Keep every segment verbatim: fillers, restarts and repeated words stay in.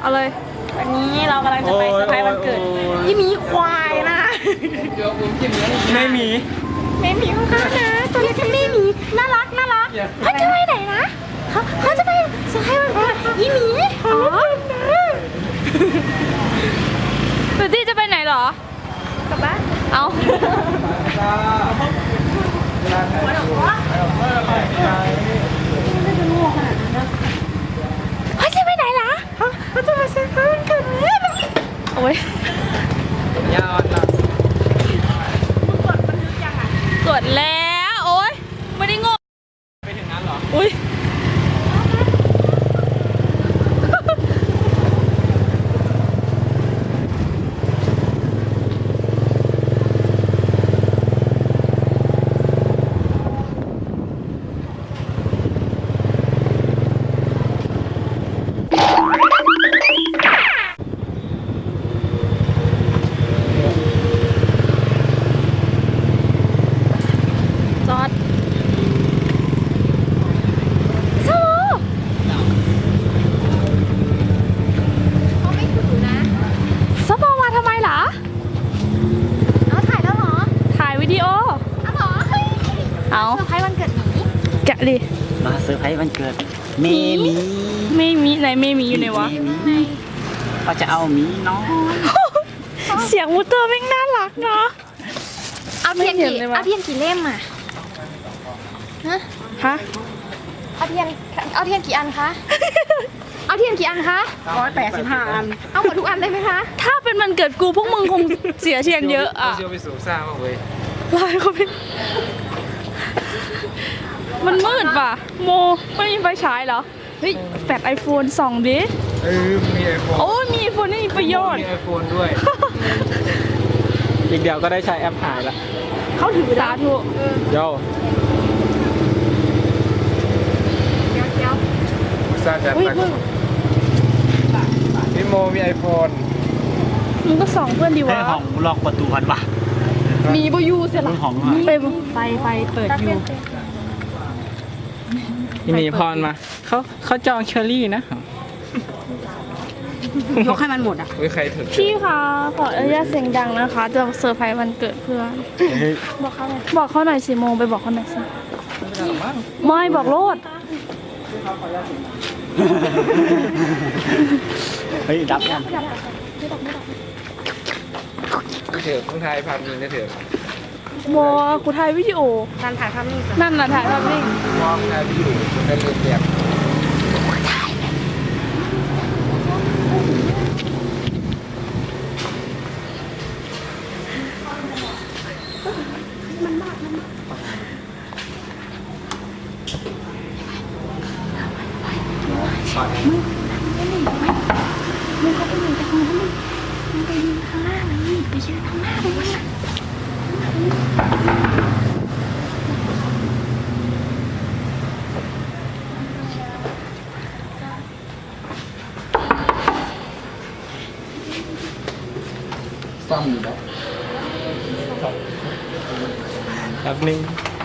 เอาเลยวันนี้เรากำลังจะไปเซอร์ไพรส์วันเกิดยี่มีควายนะไม่มีไม่มีข้างๆนะตัวเล็กไม่มีน่ารักน่ารักเขาจะไปไหนนะเขาเขาจะไปเซอร์ไพรส์วันเกิดยี่มีอ๋อตูดี้จะไปไหนหรอกลับบ้านเอาเขาจะไปไหนล่ะเขาจะมาเซอร์ไพรส์วันเกิดโอ้ยยาวนะกดแล้วโอ้ยไม่ได้งงไปถึงนั้นเหรออุ้ยเอาเซอร์ไพรส์วันเกิดหมีแกะดิมาเซอร์ไพรส์วันเกิดเมมีเมมีไหนเมมีอยู่ไหนวะเขาจะเอาหมีน้องเสียงมูเตอร์แม่งน่ารักเนาะเอาเทียนกี่เอาเทียนกี่เล่มอ่ะฮะฮะเอาเทียนเอาเทียนกี่อันคะเอาเทียนกี่อันคะร้อยแปดสิบห้าอันเอาหมดทุกอันได้ไหมคะถ้าเป็นวันเกิดกูพวกมึงคงเสียเทียนเยอะอ่ะเชียวไปสูบซ่ามากเลยลายเขาเป็นมันมืดป่ะโมไม่มีไฟฉายเหรอเฮ้ยแปดไอโฟนสองดิเออมีไอโฟนโอ้มีไอโฟนนี่มีประโยชน์มีไอโฟนด้วยอีกเดียวก็ได้ใช้แอปหายละเขาถือสาธุโย่เดี๋ยวสร้างจากตังพี่โมมีไอโฟนมึงก็ส่องเพื่อนดีวะห้องล็อกประตูพันวะมีบยูเสร็จละไปไฟไฟเปิดอยู่ที่มีพรมาเขาเขาจองเชอรี่นะยกให้มันหมดอ่ะไม่ใครถึงพี่คะขออนุญาตเสียงดังนะคะจะเซอร์ไพรส์วันเกิดเพื่อนบอกเขาหน่อยบอกเขาหน่อยสิโมงไปบอกเขาหน่อยสิไม่บอกโลดเฮ้ยดับยังเถอะต้องถ่ายภาพนิ่งได้เถอะโมกูถ่ายวิดีโอการถ่ายภาพนิ่งนั่นน่ะถ่ายภาพนิ่งมองถ่ายวิดีโอเป็นเรื่องแบบมึงมึงเขาไปยืนตรงนั้นมึงไปยืนข้างหน้าเลยไปยืนข้างหน้าเลยซ่อมอยู่แล้วแบบนึง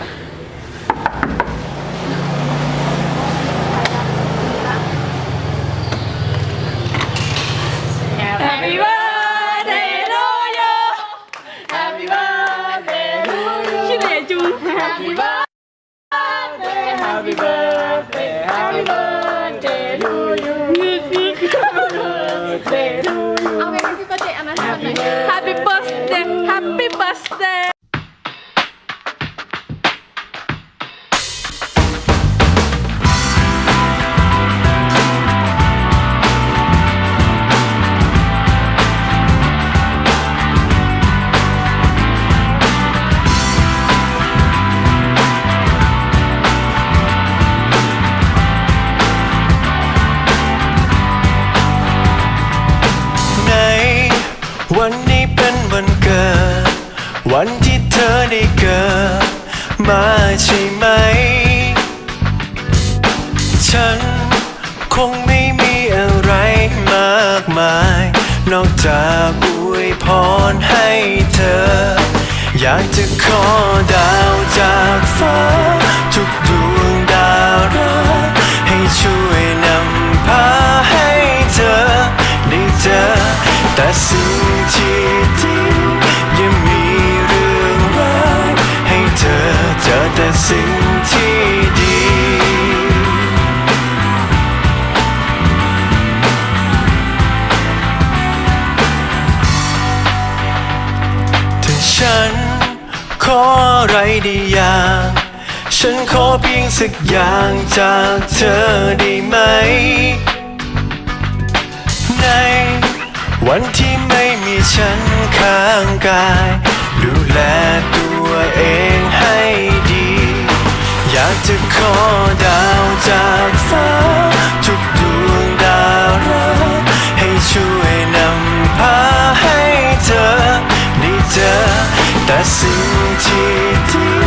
Happy birthday to you Happy birthday to you ชื่ออะไรจู Happy birthday Happy birthday Happy birthday to you งึกงึก Birthday to you เอาไป Happy birthday อันนั้นหน่อย Happy birthday Happy birthday วันนี้เป็นวันเกิดวันที่เธอได้เกิดมาใช่ไหมฉันคงไม่มีอะไรมากมายนอกจากอวยพรให้เธออยากจะขอดาวจากฟ้าทุกดวงดาวรักให้ช่วยนำพาให้เธอฉันขออะไรดีอย่าง ฉันขอเพียงสักอย่างจากเธอได้ไหม ในวันที่ไม่มีฉันข้างกาย ดูแลตัวเองให้ดี อยากจะขอดาวจากฟ้าทุกดวงดาวรักให้ช่วยนำพาให้เธอได้เจอแต่สิ่งที่ดี